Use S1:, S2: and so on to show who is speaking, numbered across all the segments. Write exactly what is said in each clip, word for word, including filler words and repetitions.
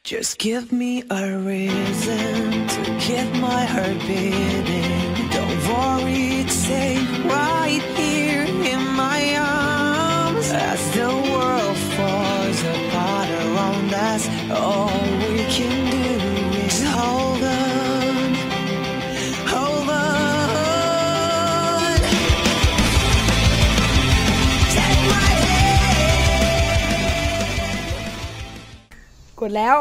S1: Just give me a reason to keep my heart beating. Don't worry, it's safe right here in my arms. As the world falls apart around us, all we can do is hold on, hold on. Take my hand.
S2: กดแล้ว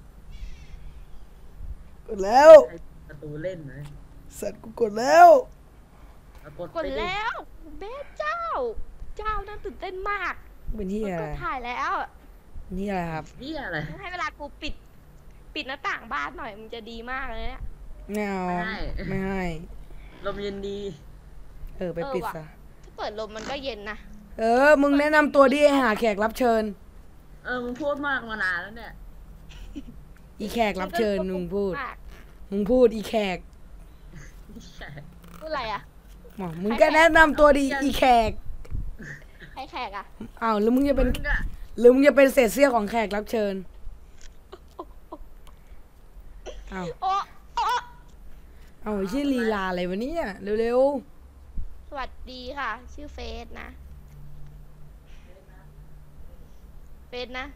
S2: กดแล้ว
S3: ประตูเล่นนะ
S2: สัตว์กูกดแล้ว
S3: กด
S4: กดแล้วเบสเจ้า เจ้านั่นตื่นเต้นมาก
S2: เป็นที่อะไร
S4: ก็ถ่ายแล้ว
S2: นี่อะไรครับ
S3: นี่อะไร
S4: ให้เวลากูปิด ปิดหน้าต่างบ้านหน่อยมันจะดีมากเลยเนี่ย
S2: ไม่เอาไม่ให้
S3: ลมเย็นดี
S2: เออไปปิดซะ
S4: ถ้าเปิดลมมันก็เย็นนะ
S2: เออมึงแนะนำตัวดิหาแขกรับเชิญ
S3: เออมึงพูดมากมานานแล้วเนี่ย
S2: อีแขกรับเชิญมึงพูด
S4: มาก
S2: มึงพูดอีแขก
S4: พูดอะไรอ่ะ
S2: หมอมึงก็แนะนำตัวดิอีแขก
S4: ให้แขกอ่ะ
S2: อ้าวหรือมึงจะเป็น
S3: มึงอะ
S2: หรือมึงจะเป็นเศษเสี้ยวของแขกรับเชิญอ้าว
S4: โอ้โอ้
S2: เอาไอ้ชื่อลีลาอะไรวะเนี่ยเร็ว
S4: สวัสดีค่ะ ชื่อเฟสนะ เฟสนะ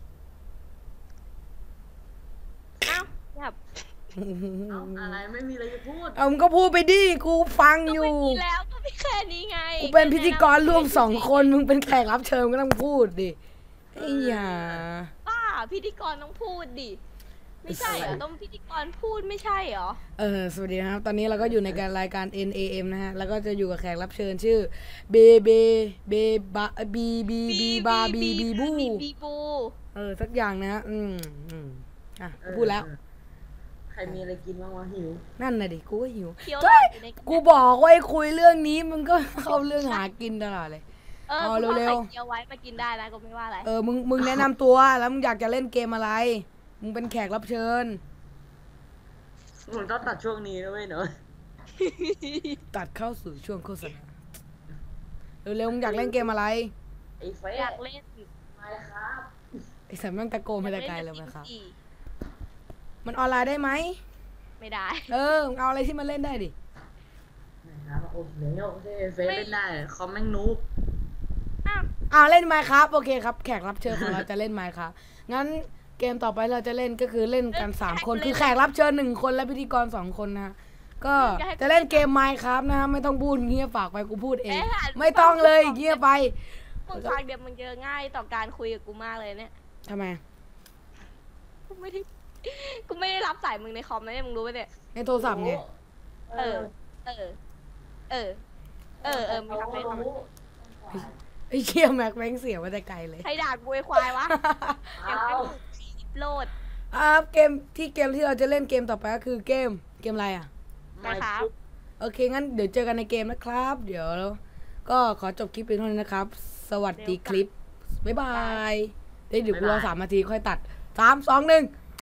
S4: เอ้าแบบ
S2: ๆ
S3: เอาอะไรไม่มีอะไรจะพูด
S2: เอามึงก็พูดไปดิกูฟัง
S4: ก็
S2: อยู่
S4: ไม่มีแล้วก็มีแค่นี้ไง
S2: กูเป็นพิธีกรร่วมสองคนมึงเป็นแขกรับเชิญก็ต้องพูดดิไอ้หยา
S4: ป้าพิธีกรต้องพูดดิ ไม่ใช่เหรอ ต้องพิธีกรพูดไม่ใช่เหรอ
S2: เออสวัสดีนะครับตอนนี้เราก็อยู่ในการรายการ เอ็น เอ เอ็ม นะฮะแล้วก็จะอยู่กับแขกรับเชิญชื่อเบเบเบบาบีบีบีบาบีบีบู
S4: บีบู
S2: เออสักอย่างนะฮะอืมอืมอ่ะ
S3: เออ
S2: พูดแล้ว
S3: เออใครมีอะไรกินบ้างวะหิว
S2: นั่นน่ะดิกูก็หิว
S4: เคี้ยว
S2: เฮ้ย
S4: อยู่ใน
S2: กูบอกว่าให้คุยเรื่องนี้มึงก็เข้าเรื่องหากินตลอดเลย
S4: เออ
S2: เอา
S4: กู
S2: เร็
S4: เร็
S2: ว
S4: ว
S2: ๆ
S4: ๆเคี้ยวไว้มากินได้นะก็ไม่ว่าอะไร
S2: เออมึงมึงแนะนำตัวแล้วมึงอยากจะเล่นเกมอะไรมึงเป็นแขกรับเชิญ
S3: มึงต้องตัดช่วงนี้นะเว้ยเนอะ
S2: ตัดเข้าสู่ช่วงโฆษณาเร็วๆมึงอยากเล่นเกมอะไร
S3: ไอ้เฟ
S4: อยากเล่น
S3: ไม่ครับ
S2: ไอ้สัตว์แม่งตะโกนมาแต่ไกลเลยไหมครับ
S4: อยากเล่น
S2: มันออนไลน์ได้ไหม
S4: ไม่ได้
S2: เออมึงเอาอะไรที่มันเล่นได้ดิ
S3: นะครับโอ้โหโอเคเฟซเล่นได้คอมแม่งนูบ
S4: อ้าว
S2: อ้าวเล่นไมค์ครับโอเคครับแขกรับเชิญของเราจะเล่นไมค์ครับงั้นเกมต่อไปเราจะเล่นก็คือเล่นกันสามคนคือแขกรับเชิญหนึ่งคนและพิธีกรสองคนนะฮะก็จะเล่นเกมไมค์ครับนะฮะไม่ต้องพูดเงียบฝากไปกูพูดเอง ไม่ต้องเลยเงียบไป
S4: มึงฟังเดี๋ยวมึงเจอง่ายต่อการคุยกับกูมากเลยเนี่ย
S2: ทำไม
S4: กูไม่ได้ กูไม่ได้รับสายมึงในคอมนะเนี่ยมึงรู้ป่ะเนี่ย
S2: ในโทรศัพท์ไง
S4: เออ เออ เออ เออ เออมึงทำให้ทำไม
S2: ไอ้เชี่ยแม็กแม่งเสียมาแต่ไกลเลย
S4: ใครด่ากูไอ้ควายวะเดี๋ยวไปโหลด
S2: อ่าเกมที่เกมที่เราจะเล่นเกมต่อไปก็คือเกมเกมอะไรอ่ะ
S4: นะครับ
S2: โอเคงั้นเดี๋ยวเจอกันในเกมนะครับ เดี๋ยวก็ขอจบคลิปเพียงเท่านี้นะครับ สวัสดีคลิป บ๊ายบายเดี๋ยวเดี๋ยวกูรอสามนาทีค่อยตัดสามสองหนึ่ง